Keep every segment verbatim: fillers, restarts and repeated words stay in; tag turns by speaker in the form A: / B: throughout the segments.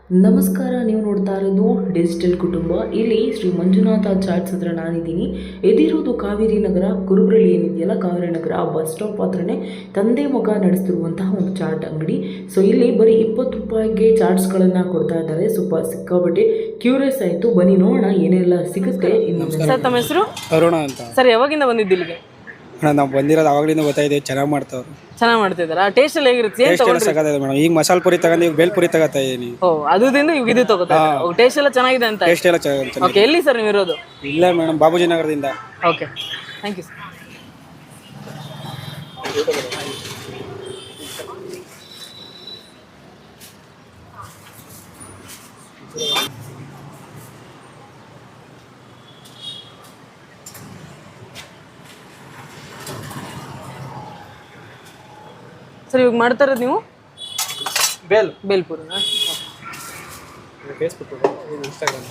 A: ನಮಸ್ಕಾರ, ನೀವು ನೋಡ್ತಾ ಇರೋದು ಡಿಜಿಟಲ್ ಕುಟುಂಬ. ಇಲ್ಲಿ ಶ್ರೀ ಮಂಜುನಾಥ ಚಾಟ್ಸ್ ಹತ್ರ ನಾನಿದ್ದೀನಿ. ಎದಿರೋದು ಕಾವೇರಿ ನಗರ ಕುರುಬ್ರಳ್ಳಿ ಏನಿದೆಯಲ್ಲ, ಕಾವೇರಿ ನಗರ ಬಸ್ ಸ್ಟಾಪ್ ಹತ್ರನೇ ತಂದೆ ಮಗ ನಡೆಸ್ತಿರುವಂತಹ ಒಂದು ಚಾಟ್ ಅಂಗಡಿ. ಸೊ ಇಲ್ಲಿ ಬರೀ ಇಪ್ಪತ್ತು ರೂಪಾಯಿಗೆ ಚಾಟ್ಸ್ಗಳನ್ನು ಕೊಡ್ತಾ ಇದ್ದಾರೆ. ಸ್ವಲ್ಪ ಸಿಕ್ಕಾಬಟ್ಟೆ ಕ್ಯೂರಿಯಸ್ ಆಯಿತು, ಬನ್ನಿ ನೋಡೋಣ ಏನೆಲ್ಲ ಸಿಗುತ್ತೆ.
B: ಸರ್, ತಮ್ಮ ಹೆಸರು?
C: ಅರುಣ ಅಂತ.
B: ಸರ್, ಯಾವಾಗಿಂದ ಬಂದಿದ್ದು ಇಲ್ಲಿಗೆ?
C: ನಾವು ಬಂದಿರೋದು ಆವಾಗಲಿಂದ ಗೊತ್ತಾಯಿದೆ, ಚೆನ್ನಾಗಿ ಮಾಡ್ತಾವ್ರು.
B: ಚೆನ್ನಾಗಿ ಮಾಡ್ತಿದ್ದಾರಾ? ಟೇಸ್ಟ್ ಎಲ್ಲ ಹೇಗಿರುತ್ತೆ? ಏನ್
C: ಟೇಸ್ಟ್ ಎಲ್ಲ
B: ತಗೊಂಡ್ರಿ?
C: ಸಕ್ಕತ್ತಾಗಿದೆ ಮೇಡಮ್. ಈಗ ಮಸಾಲೆ ಪುರಿ ತಗೊಂಡು ಈಗ ಬೇಲ್ಪುರಿ ತಗೋತಾ ಇದೀನಿ.
B: ಓ, ಅದುದಿಂದ ಈಗ ಇದು ತಗೋತಾ ಟೇಸ್ಟ್ ಎಲ್ಲ ಚೆನ್ನಾಗಿದೆ ಅಂತ.
C: ಟೇಸ್ಟ್ ಎಲ್ಲ ಚೆನ್ನಾಗಿ.
B: ಓಕೆ, ಎಲ್ಲಿ ಸರ್ ನೀವು ಇರೋದು?
C: ಇಲ್ಲ ಮೇಡಮ್, ಬಾಬುಜಿ ನಗರದಿಂದ.
B: Okay, thank you sir. Sir, ಇವಾಗ ಮಾಡ್ತಾ ಇರೋದು ನೀವು
C: ಬೇಲ್
B: ಬೇಲ್ಪುರಿನಾ?
C: Facebook, Instagram.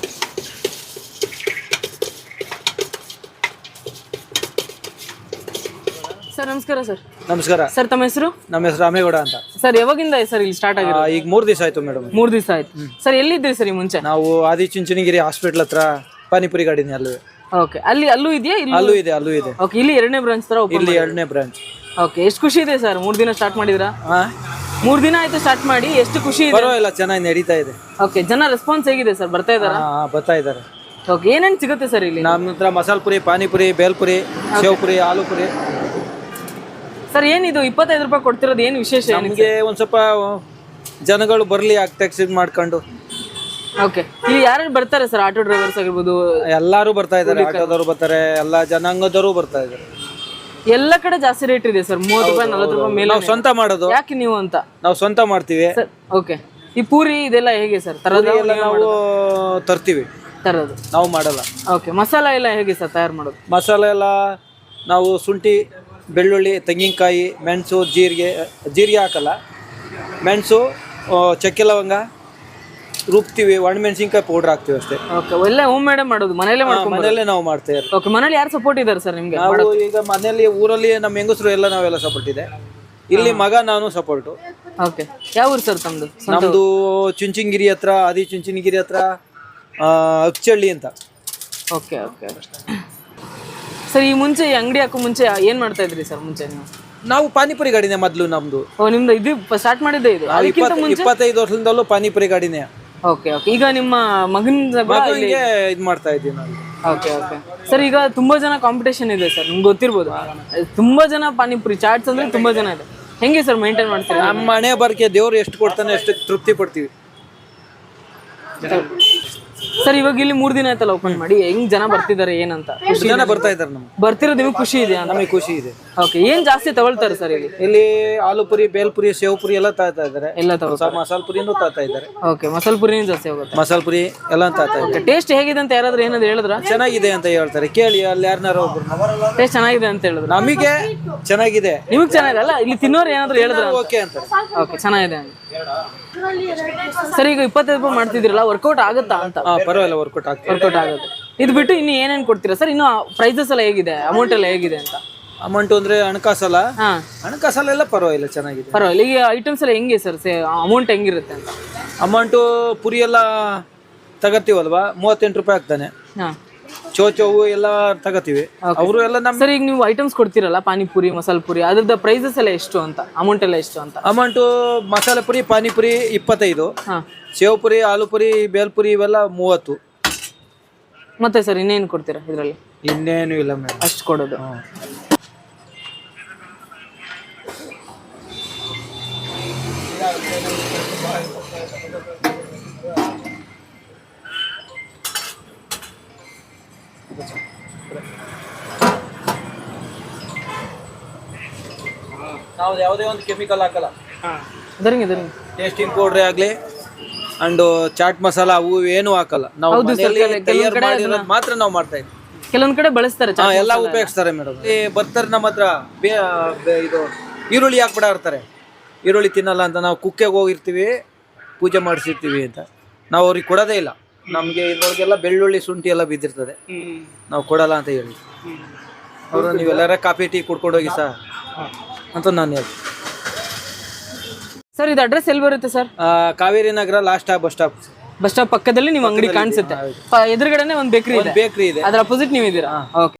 B: ಸರ್, ನಮಸ್ಕಾರ ಸರ್.
C: ನಮಸ್ಕಾರ
B: ಸರ್, ತಮ್ಮ ಹೆಸರು?
C: ನಮ್ಮ ಹೆಸರು ರಾಮೇಗೌಡ ಅಂತ.
B: ಸರ್, ಯಾವಾಗಿಂದ ಸರ್ ಇಲ್ಲಿ ಸ್ಟಾರ್ಟ್ ಆಗಿದೆ?
C: ಈಗ ಮೂರು ದಿವಸ ಆಯ್ತು ಮೇಡಮ್.
B: ಮೂರು ದಿವಸ ಆಯ್ತು. ಸರ್, ಎಲ್ಲಿದ್ರಿ ಸರ್ ಈ ಮುಂಚೆ?
C: ನಾವು ಆದಿಚುಂಚನಗಿರಿ ಹಾಸ್ಪಿಟ್ಲ್ ಹತ್ರ ಪಾನಿಪುರಿ ಗಾಡಿನಿ ಅಲ್ಲೂ.
B: ಓಕೆ, ಅಲ್ಲಿ ಅಲ್ಲೂ ಇದೆಯಾ?
C: ಅಲ್ಲೂ ಇದೆ, ಅಲ್ಲೂ ಇದೆ.
B: ಓಕೆ, ಇಲ್ಲಿ ಎರಡನೇ ಬ್ರಾಂಚ್ ತರ ಓಪನ್.
C: ಇಲ್ಲಿ ಎರಡನೇ ಬ್ರಾಂಚ್.
B: ಓಕೆ, ಎಷ್ಟು ಖುಷಿ ಇದೆ ಸರ್? ಮೂರು ದಿನ ಸ್ಟಾರ್ಟ್ ಮಾಡಿದ್ರಾ?
C: ಹಾ,
B: ಮೂರು ದಿನ ಆಯ್ತು ಸ್ಟಾರ್ಟ್ ಮಾಡಿ, ಎಷ್ಟು ಖುಷಿ ಇದೆ?
C: ಪರವಾಗಿಲ್ಲ, ಚೆನ್ನಾಗಿ ನಡೀತಾ ಇದೆ.
B: ಓಕೆ, ಜನ ರೆಸ್ಪಾನ್ಸ್ ಹೇಗಿದೆ ಸರ್? ಬರ್ತಾ ಇದಾರಾ?
C: ಹಾ, ಬರ್ತಾ ಇದ್ದಾರೆ.
B: ಓಕೆ, ಏನೇನು ಸಿಗುತ್ತೆ ಸರ್ ಇಲ್ಲಿ?
C: ನಮ್ಮ ಹತ್ರ ಮಸಾಲೆ ಪುರಿ, ಪಾನಿಪುರಿ, ಬೇಲ್ಪುರಿ, ಸೇವ್ಪುರಿ, ಆಲೂ ಪುರಿ.
B: ಸರ್, ಏನಿದು ಇಪ್ಪತ್ತೈದು ರೂಪಾಯಿ ಕೊಡ್ತಿರೋದು ಏನು ವಿಶೇಷ?
C: ನಮಗೆ ಒಂದು ಸ್ವಲ್ಪ ಜನಗಳು ಬರಲಿ ಆಗ್ತಾ ಮಾಡ್ಕೊಂಡು.
B: ಓಕೆ, ಇಲ್ಲಿ ಯಾರು ಬರ್ತಾರೆ ಸರ್? ಆಟೋ ಡ್ರೈವರ್ಸ್ ಆಗಿರ್ಬೋದು,
C: ಎಲ್ಲರೂ ಬರ್ತಾ ಇದ್ದಾರೆ. ಆಟೋದವರು ಬರ್ತಾರೆ, ಎಲ್ಲ ಜನಾಂಗದವರು ಬರ್ತಾ ಇದ್ದಾರೆ.
B: ಎಲ್ಲ ಕಡೆ ಜಾಸ್ತಿ ರೇಟ್ ಇದೆ ಸರ್, ಮೂವತ್ತು ರೂಪಾಯಿ ನಲ್ವತ್ತು ರೂಪಾಯಿ ಮೇಲೆ.
C: ನಾವು ಸ್ವಂತ ಮಾಡೋದು.
B: ಯಾಕೆ ನೀವು ಅಂತ?
C: ನಾವು ಸ್ವಂತ ಮಾಡ್ತೀವಿ.
B: ಸರ್, ಓಕೆ, ಈ ಪೂರಿ ಇದೆಲ್ಲ ಹೇಗೆ ಸರ್? ತರೋದು
C: ಎಲ್ಲ ನಾವು ತರ್ತೀವಿ,
B: ತರೋದು
C: ನಾವು ಮಾಡಲ್ಲ.
B: ಓಕೆ, ಮಸಾಲ ಎಲ್ಲ ಹೇಗೆ ಸರ್ ತಯಾರು ಮಾಡೋದು?
C: ಮಸಾಲೆ ಎಲ್ಲ ನಾವು ಶುಂಠಿ, ಬೆಳ್ಳುಳ್ಳಿ, ತೆಂಗಿನಕಾಯಿ, ಮೆಣಸು, ಜೀರಿಗೆ ಜೀರಿಗೆ ಹಾಕಲ್ಲ, ಮೆಣಸು, ಚಕ್ಕೆ ಲವಂಗ ರುಬ್ತೀವಿ, ಒಣಮೆಣಸಿನ್ಕಾಯಿ ಪೌಡ್ರ್ ಹಾಕ್ತೀವಿ ಅಷ್ಟೇ.
B: ಓಕೆ, ಎಲ್ಲ ಹೋಮ್ ಮೇಡ್ ಮಾಡೋದು, ಮನೆಯಲ್ಲೇ ಮಾಡ್ಕೊಂಡು?
C: ಮನೆಯಲ್ಲೇ ನಾವು ಮಾಡ್ತೇವೆ.
B: ಓಕೆ, ಮನೇಲಿ ಯಾರು ಸಪೋರ್ಟ್ ಇದ್ದಾರೆ ಸರ್ ನಿಮ್ಗೆ?
C: ನಾವು ಈಗ ಮನೆಯಲ್ಲಿ ಊರಲ್ಲಿ ನಮ್ಮ ಹೆಂಗಸರು ಎಲ್ಲ ನಾವೆಲ್ಲ ಸಪೋರ್ಟ್ ಇದೆ. ಇಲ್ಲಿ ಮಗ ನಾನು ಸಪೋರ್ಟು.
B: ಓಕೆ, ಯಾವ ಊರು ಸರ್ ತಮ್ಮದು?
C: ನಮ್ಮದು ಚುಂಚನಗಿರಿ ಹತ್ರ, ಆದಿ ಚುಂಚನಗಿರಿ ಹತ್ರ ಅಚ್ಚಳ್ಳಿ ಅಂತ.
B: ಓಕೆ ಓಕೆ ಸರ್, ಈ ಮುಂಚೆ ಈ ಅಂಗಡಿ ಹಾಕೋ ಮುಂಚೆ ಏನು ಮಾಡ್ತಾ ಇದ್ರಿ ಸರ್ ಮುಂಚೆ ನೀವು?
C: ನಾವು ಪಾನಿಪುರಿ ಗಾಡಿನೇ ಮೊದಲು ನಮ್ಮದು.
B: ಓ, ನಿಮ್ದು ಇದು ಸ್ಟಾರ್ಟ್ ಮಾಡಿದ್ದೆ ಇದು? ಅದಕ್ಕಿಂತ ಮುಂಚೆ
C: ಇಪ್ಪತ್ತೈದು ವರ್ಷದಿಂದಲೂ ಪಾನಿಪುರಿ ಗಾಡಿನೇ.
B: ಓಕೆ ಓಕೆ, ಈಗ ನಿಮ್ಮ ಮಗನ
C: ಮಗನಿಗೆ ಇದು ಮಾಡ್ತಾ ಇದ್ದೀವಿ ನಾವು.
B: ಓಕೆ ಓಕೆ ಸರ್, ಈಗ ತುಂಬಾ ಜನ ಕಾಂಪಿಟೇಷನ್ ಇದೆ ಸರ್, ನಿಮ್ಗೆ ಗೊತ್ತಿರ್ಬೋದು. ತುಂಬಾ ಜನ ಪಾನಿಪುರಿ ಚಾಟ್ಸ್ ಅಂದ್ರೆ ತುಂಬಾ ಜನ ಇದೆ. ಹೆಂಗೆ ಸರ್ ಮೇಂಟೈನ್ ಮಾಡ್ತೀರಾ?
C: ನಮ್ಮ ಮನೆ ಬರ್ಕೆ ದೇವ್ರು ಎಷ್ಟು ಕೊಡ್ತಾನೆ ಅಷ್ಟು ತೃಪ್ತಿ ಪಡ್ತೀವಿ
B: ಸರ್. ಇವಾಗ ಇಲ್ಲಿ ಮೂರ್ ದಿನ ಆಯ್ತಲ್ಲ ಓಪನ್ ಮಾಡಿ, ಹೆಂಗ್ ಜನ ಬರ್ತಿದ್ದಾರೆ ಏನಂತ?
C: ಜನ ಬರ್ತಾ ಇದ್ದಾರೆ. ನಮ್ಗೆ
B: ಬರ್ತಿರೋದು ನಿಮಗೆ ಖುಷಿ ಇದೆ?
C: ನಮಗೆ ಖುಷಿ ಇದೆ.
B: ಓಕೆ, ಏನ್ ಜಾಸ್ತಿ ತಗೊಳ್ತಾರೆ ಸರ್ ಇಲ್ಲಿ?
C: ಇಲ್ಲಿ ಆಲೂ ಪುರಿ, ಬೇಲ್ಪುರಿ, ಸೇವ್ ಪುರಿ ಎಲ್ಲ ತಾತಾ ಇದ್ದಾರೆ.
B: ಎಲ್ಲ ತಗೋ
C: ಮಸಾಲೆ ಪುರಿನೂ ತಾತಾ ಇದ್ದಾರೆ.
B: ಓಕೆ, ಮಸಾಲೆ ಪುರಿನೂ ಜಾಸ್ತಿ ಹೋಗುತ್ತೆ.
C: ಮಸಾಲೆ ಪುರಿ ಎಲ್ಲ ತಾತಾ ಇದ್ದಾರೆ.
B: ಟೇಸ್ಟ್ ಹೇಗಿದೆ ಅಂತ ಯಾರಾದ್ರೂ ಏನಾದ್ರು ಹೇಳಿದ್ರ?
C: ಚೆನ್ನಾಗಿದೆ ಅಂತ ಹೇಳ್ತಾರೆ, ಕೇಳಿ ಅಲ್ಲಿ ಯಾರನ್ನಾರು ಒಬ್ರು.
B: ಟೇಸ್ಟ್ ಚೆನ್ನಾಗಿದೆ ಅಂತ ಹೇಳಿದ್ರು.
C: ನಮಗೆ ಚೆನ್ನಾಗಿದೆ,
B: ನಿಮಗ್ ಚೆನ್ನಾಗಿದೆ ಅಲ್ಲ? ಇಲ್ಲಿ ತಿನ್ನೋರು ಏನಾದ್ರು ಹೇಳಿದ್ರ?
C: ಓಕೆ ಅಂತ.
B: ಓಕೆ, ಚೆನ್ನಾಗಿದೆ ಸರ್. ಈಗ ಇಪ್ಪತ್ತೈದು ರೂಪಾಯಿ ಮಾಡ್ತಿದ್ರಲ್ಲ, ವರ್ಕೌಟ್ ಆಗುತ್ತಾ ಅಂತ?
C: ಪರವಾಗಿಲ್ಲ, ವರ್ಕೌಟ್ ಆಗ್ತದೆ.
B: ವರ್ಕೌಟ್ ಆಗುತ್ತೆ. ಇದು ಬಿಟ್ಟು ಇನ್ನು ಏನೇನು ಕೊಡ್ತೀರಾ ಸರ್? ಇನ್ನು ಪ್ರೈಸಸ್ ಎಲ್ಲ ಹೇಗಿದೆ, ಅಮೌಂಟ್ ಎಲ್ಲ ಹೇಗಿದೆ ಅಂತ?
C: ಅಮೌಂಟ್ ಅಂದ್ರೆ ಹಣಕಾಸಲ್ಲ?
B: ಹಾ,
C: ಹಣಕಾಸಲ್ಲ ಪರವಾಗಿಲ್ಲ, ಚೆನ್ನಾಗಿದೆ.
B: ಪರವಾಗಿಲ್ಲ. ಈಗ ಐಟಮ್ಸ್ ಎಲ್ಲ ಹೆಂಗೆ ಸರ್? ಅಮೌಂಟ್ ಹೆಂಗಿರುತ್ತೆ ಅಂತ?
C: ಅಮೌಂಟು ಪುರಿ ಎಲ್ಲ ತಗತ್ತೀವಲ್ವಾ, ಮೂವತ್ತೆಂಟು ರೂಪಾಯಿ ಆಗ್ತಾನೆ.
B: ಹಾ,
C: ಚೋಚೋವು ಎಲ್ಲ ತಗತೀವಿ. ಅವರು ಎಲ್ಲ ನಮ್ಮ
B: ಸರ್, ಈಗ ನೀವು ಐಟಮ್ಸ್ ಕೊಡ್ತೀರಲ್ಲ, ಪಾನಿಪುರಿ, ಮಸಾಲೆ ಪುರಿ, ಅದ್ರದ್ದು ಪ್ರೈಸಸ್ ಎಲ್ಲ ಎಷ್ಟು ಅಂತ? ಅಮೌಂಟ್ ಎಲ್ಲ ಎಷ್ಟು ಅಂತ?
C: ಅಮೌಂಟು ಮಸಾಲೆ ಪುರಿ, ಪಾನಿಪುರಿ ಇಪ್ಪತ್ತೈದು,
B: ಹಾ,
C: ಸೇವ್ ಪುರಿ, ಆಲೂ ಪುರಿ, ಬೇಲ್ಪುರಿ ಇವೆಲ್ಲ ಮೂವತ್ತು.
B: ಮತ್ತೆ ಸರ್ ಇನ್ನೇನು ಕೊಡ್ತೀರಾ ಇದರಲ್ಲಿ?
C: ಇನ್ನೇನು ಇಲ್ಲ ಮೇಡಮ್,
B: ಅಷ್ಟು ಕೊಡೋದು.
C: ನಾವು ಯಾವುದೇ ಒಂದು ಕೆಮಿಕಲ್ ಹಾಕಲ್ಲ.
B: ಇದರಿಂಗ್ ಇದರಿಂಗ್
C: ಟೇಸ್ಟಿಂಗ್ ಪೌಡ್ರೇ ಆಗಲಿ ಅಂಡ್ ಚಾಟ್ ಮಸಾಲ ಅವು ಏನು ಹಾಕಲ್ಲ. ನಾವು ಮನೆಯಲ್ಲಿ ತಯಾರು ಮಾಡಿರೋದು ಮಾತ್ರ ನಾವು ಮಾಡ್ತಾ ಇದ್ದೀವಿ.
B: ಕೆಲವೊಂದ್ ಕಡೆ ಬಳಸ್ತಾರೆ,
C: ಎಲ್ಲ ಉಪಯೋಗಿಸ್ತಾರೆ ಮೇಡಮ್. ಬರ್ತಾರೆ ನಮ್ಮ ಹತ್ರ, ಇದು ಈರುಳ್ಳಿ ಹಾಕ್ಬಿಡ ಇರ್ತಾರೆ, ಈರುಳ್ಳಿ ತಿನ್ನಲ್ಲ ಅಂತ. ನಾವು ಕುಕ್ಕೆಗೆ ಹೋಗಿರ್ತೀವಿ, ಪೂಜೆ ಮಾಡಿಸಿರ್ತೀವಿ ಅಂತ, ನಾವು ಅವ್ರಿಗೆ ಕೊಡೋದೇ ಇಲ್ಲ. ನಮಗೆ ಇದ್ರೊಳಗೆಲ್ಲ ಬೆಳ್ಳುಳ್ಳಿ, ಶುಂಠಿ ಎಲ್ಲ ಬಿದ್ದಿರ್ತದೆ, ನಾವು ಕೊಡಲ್ಲ ಅಂತ ಹೇಳಿ ಅವರು. ನೀವೆಲ್ಲರ ಕಾಫಿ ಟೀ ಕುಡ್ಕೊಂಡು ಹೋಗಿ ಸರ್ ಅಂತ ನಾನು ಹೇಳ್ತೀನಿ.
B: ಸರ್ ಇದು ಅಡ್ರೆಸ್ ಎಲ್ಲಿ ಬರುತ್ತೆ ಸರ್?
C: ಆ, Kaveri Nagar last bus stop.
B: Bus stop ಪಕ್ಕದಲ್ಲಿ ನಿಮ್ಮ ಅಂಗಡಿ ಕಾಣಿಸುತ್ತೆ. ಪ- ಎದುರುಗಡೆನೆ ಒಂದು ಬೇಕರಿ ಇದೆ,
C: ಬೇಕ್ರಿ ಇದೆ.
B: ಅದ್ರ ಅಪೋಸಿಟ್ ನೀವು ಇದ್ದೀರಾ? ಓಕೆ.